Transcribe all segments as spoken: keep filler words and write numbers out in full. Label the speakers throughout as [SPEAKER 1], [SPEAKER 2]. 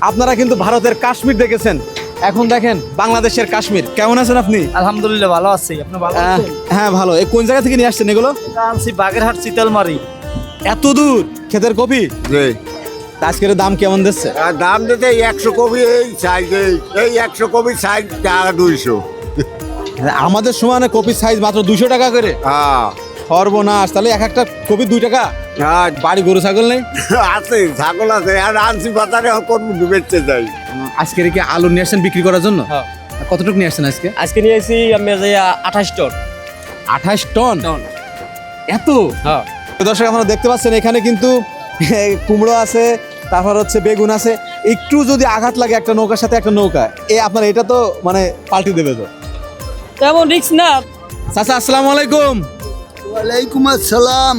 [SPEAKER 1] আপনারা কিন্তু ভারতের কাশ্মীর দেখেছেন, এখন দেখেন বাংলাদেশের কাশ্মীর। কেমন আছেন আপনি?
[SPEAKER 2] আলহামদুলিল্লাহ ভালো আছি। আপনি ভালো
[SPEAKER 1] আহ,
[SPEAKER 2] আছেন?
[SPEAKER 1] হ্যাঁ ভালো। এই কোন জায়গা থেকে নিয়ে আসছেন এগুলো?
[SPEAKER 2] আনছি বাগেরহাট শীতলমারি।
[SPEAKER 1] এত দূর ক্ষেতের কপি?
[SPEAKER 3] জি।
[SPEAKER 1] তা আজকের দাম কেমন দিচ্ছে?
[SPEAKER 3] আর দাম দিতে একশো কপি এই সাইজ এই এই একশো কপি সাইজ টাকা দুইশো।
[SPEAKER 1] আমাদের সমানে কপির সাইজ মাত্র দুশো টাকা করে।
[SPEAKER 3] হ্যাঁ
[SPEAKER 1] সর্বনাশ, তাহলে এক একটা কপি দুই টাকা।
[SPEAKER 3] হ্যাঁ,
[SPEAKER 1] বাড়ি গরু ছাগল নেই?
[SPEAKER 3] আছে ছাগল আছে আর আনছি বাজারে কোন বেচতে যাই।
[SPEAKER 1] আজকের কি আলু নিয়ে আসছেন বিক্রি করার জন্য?
[SPEAKER 2] হ্যাঁ।
[SPEAKER 1] কতটুকু নিয়ে আসছেন আজকে?
[SPEAKER 2] আজকে নিয়ে এসেছি আমি আঠাশ টন।
[SPEAKER 1] আঠাশ টন? এত?
[SPEAKER 2] হ্যাঁ।
[SPEAKER 1] দর্শক আপনারা দেখতে পাচ্ছেন এখানে কিন্তু কুমড়ো আছে, তারপর হচ্ছে বেগুন আছে। একটু যদি আঘাত লাগে একটা নৌকার সাথে একটা নৌকা, এ আপনার এটা তো মানে পাল্টি দেবে তো।
[SPEAKER 2] তেমন রিক্স না।
[SPEAKER 1] চাচা আসসালামু আলাইকুম।
[SPEAKER 4] ওয়ালাইকুম আসসালাম।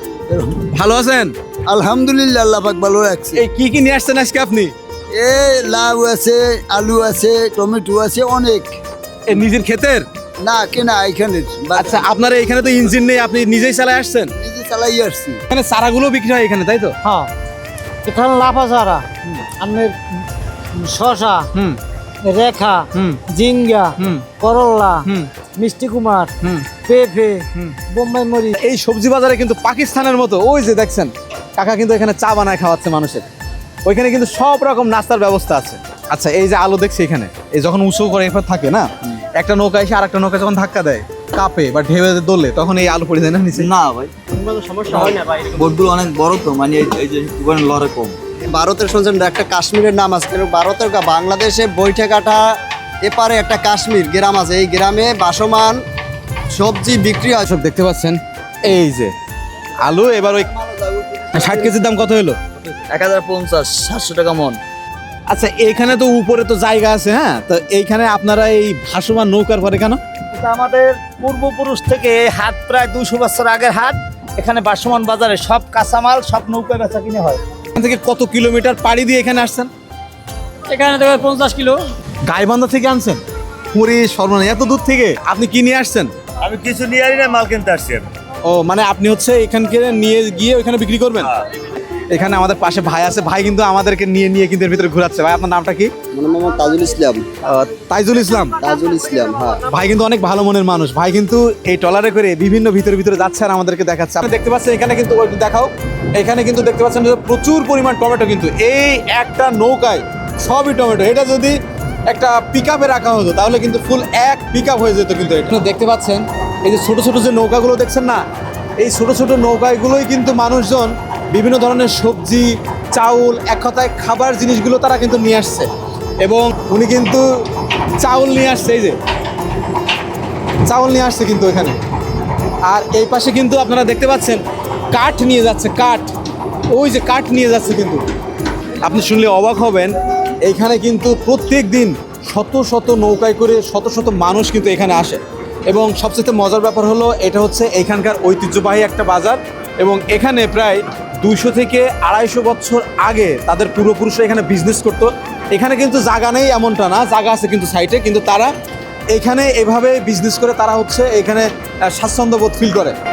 [SPEAKER 1] ভালো আছেন?
[SPEAKER 4] আলহামদুলিল্লাহ, আল্লাহ পাক ভালো রাখছে।
[SPEAKER 1] এই কি কি নিয়ে আসছেন আজকে আপনি?
[SPEAKER 4] এ লাউ আছে, আলু আছে, টমেটো আছে অনেক।
[SPEAKER 1] এ নিজের ক্ষেতের?
[SPEAKER 4] না কেনা এখানে,
[SPEAKER 1] আচ্ছা, আপনার এখানে তো ইঞ্জিন নেই, আপনি নিজেই চালাই আসছেন?
[SPEAKER 4] নিজে চালাই আসছি।
[SPEAKER 1] এখানে চারাগুলো বিক্রি হয় এখানে, তাই তো?
[SPEAKER 2] হ্যাঁ, এখানে লাফা চারা, আপনার শশা,
[SPEAKER 1] হুম
[SPEAKER 2] রেখা,
[SPEAKER 1] হুম
[SPEAKER 2] জিঙ্গা,
[SPEAKER 1] হুম
[SPEAKER 2] করল্লা,
[SPEAKER 1] হুম
[SPEAKER 2] মিষ্টি কুমার,
[SPEAKER 1] হুম
[SPEAKER 2] পেঁপে,
[SPEAKER 1] হুম।
[SPEAKER 2] বোম্বাই মরিচ।
[SPEAKER 1] এই সবজি বাজারে কিন্তু পাকিস্তানের মতো, ওই যে দেখছেন কাকা কিন্তু এখানে চা বানায় খাওয়াচ্ছে মানুষের। ওইখানে কিন্তু সব রকম নাস্তার ব্যবস্থা আছে। আচ্ছা, এই যে আলু দেখছি এখানে, এই যখন উঁচু করে এরপর থাকে না, একটা নৌকা এসে আর একটা নৌকা যখন ধাক্কা দেয়, কাপে বা ঢেউ দোলে, তখন এই আলু পড়ে যায় না নিচে?
[SPEAKER 5] না ভাই,
[SPEAKER 2] সমস্যা হয় না ভাই।
[SPEAKER 5] বোটগুলো অনেক বড় তো, মানে এই- এই যে ওখানে লড়ে কম।
[SPEAKER 6] ভারতের শুনছেন একটা কাশ্মীরের নাম আছে, কিন্তু ভারতের কা- বাংলাদেশে বৈঠকাটা এপারে একটা কাশ্মীর গ্রাম আছে, এই গ্রামে বাসমান সবজি বিক্রি হয়।
[SPEAKER 1] সব দেখতে পাচ্ছেন এই যে আলু। এবার ওই ষাট কেজির দাম কত হলো?
[SPEAKER 5] এক হাজার পঞ্চাশ সাতশো টাকা মন।
[SPEAKER 1] আচ্ছা, এখানে তো উপরে তো জায়গা আছে, হ্যাঁ, তো এইখানে আপনারা এই ভাসমান নৌকার পরে কেন?
[SPEAKER 2] এটা আমাদের পূর্বপুরুষ থেকে এই হাট প্রায় দুশো বছর আগের হাট। এখানে বাসমান বাজারে সব কাঁচামাল সব নৌকা বেচা কিনে হয়।
[SPEAKER 1] এখান থেকে কত কিলোমিটার পাড়ি দিয়ে এখানে আসছেন?
[SPEAKER 2] এখানে দেখো পঞ্চাশ কিলো।
[SPEAKER 1] গাইবান্ধা থেকে আনছেন? পুরী সর্বনা, এত দূর থেকে আপনি কি নিয়ে আসছেন?
[SPEAKER 7] আমি কিছু নিয়ে আনি না, মাল কিনতে আসছি আমি।
[SPEAKER 1] ও মানে আপনি হচ্ছে এখানকে নিয়ে গিয়ে ওখানে বিক্রি করবেন? এখানে আমাদের পাশে ভাই আছে, ভাই কিন্তু আমাদেরকে নিয়ে নিয়ে কিন্তু এর ভিতরে ঘোরাচ্ছে। ভাই আপনার নামটা কি?
[SPEAKER 6] মানে মোহাম্মদ তাজুল ইসলাম।
[SPEAKER 1] আহ, তাইজুল ইসলাম।
[SPEAKER 6] তাজুল ইসলাম, হ্যাঁ।
[SPEAKER 1] ভাই কিন্তু অনেক ভালো মনের মানুষ। ভাই কিন্তু এই ট্রলারে করে বিভিন্ন ভিতরে ভিতরে যাচ্ছে আর আমাদেরকে দেখাচ্ছে। আপনি দেখতে পাচ্ছেন এখানে কিন্তু, ওই দেখাও, এখানে কিন্তু দেখতে পাচ্ছেন যে প্রচুর পরিমাণ টমেটো, কিন্তু এই একটা নৌকায় সবই টমেটো। এটা যদি একটা পিক আপে রাখা হতো তাহলে কিন্তু ফুল এক পিক আপ হয়ে যেত। কিন্তু এটা দেখতে পাচ্ছেন এই যে ছোট ছোট যে নৌকাগুলো দেখছেন না, এই ছোট ছোট নৌকাগুলোই কিন্তু মানুষজন বিভিন্ন ধরনের সবজি, চাউল, এক কথায় খাবার জিনিসগুলো তারা কিন্তু নিয়ে আসছে। এবং উনি কিন্তু চাউল নিয়ে আসছে, এই যে চাউল নিয়ে আসছে কিন্তু এখানে। আর এই পাশে কিন্তু আপনারা দেখতে পাচ্ছেন কাঠ নিয়ে যাচ্ছে, কাঠ, ওই যে কাঠ নিয়ে যাচ্ছে। কিন্তু আপনি শুনলে অবাক হবেন, এইখানে কিন্তু প্রত্যেক দিন শত শত নৌকায় করে শত শত মানুষ কিন্তু এখানে আসে। এবং সবচেয়ে মজার ব্যাপার হলো এটা হচ্ছে এখানকার ঐতিহ্যবাহী একটা বাজার। এবং এখানে প্রায় দুইশো থেকে আড়াইশো বছর আগে তাদের পূর্বপুরুষরা এখানে বিজনেস করতো। এখানে কিন্তু জায়গা নেই এমনটা না, জায়গা আছে কিন্তু সাইটে, কিন্তু তারা এখানে এভাবে বিজনেস করে তারা হচ্ছে এখানে স্বাচ্ছন্দ্য বোধ ফিল করে।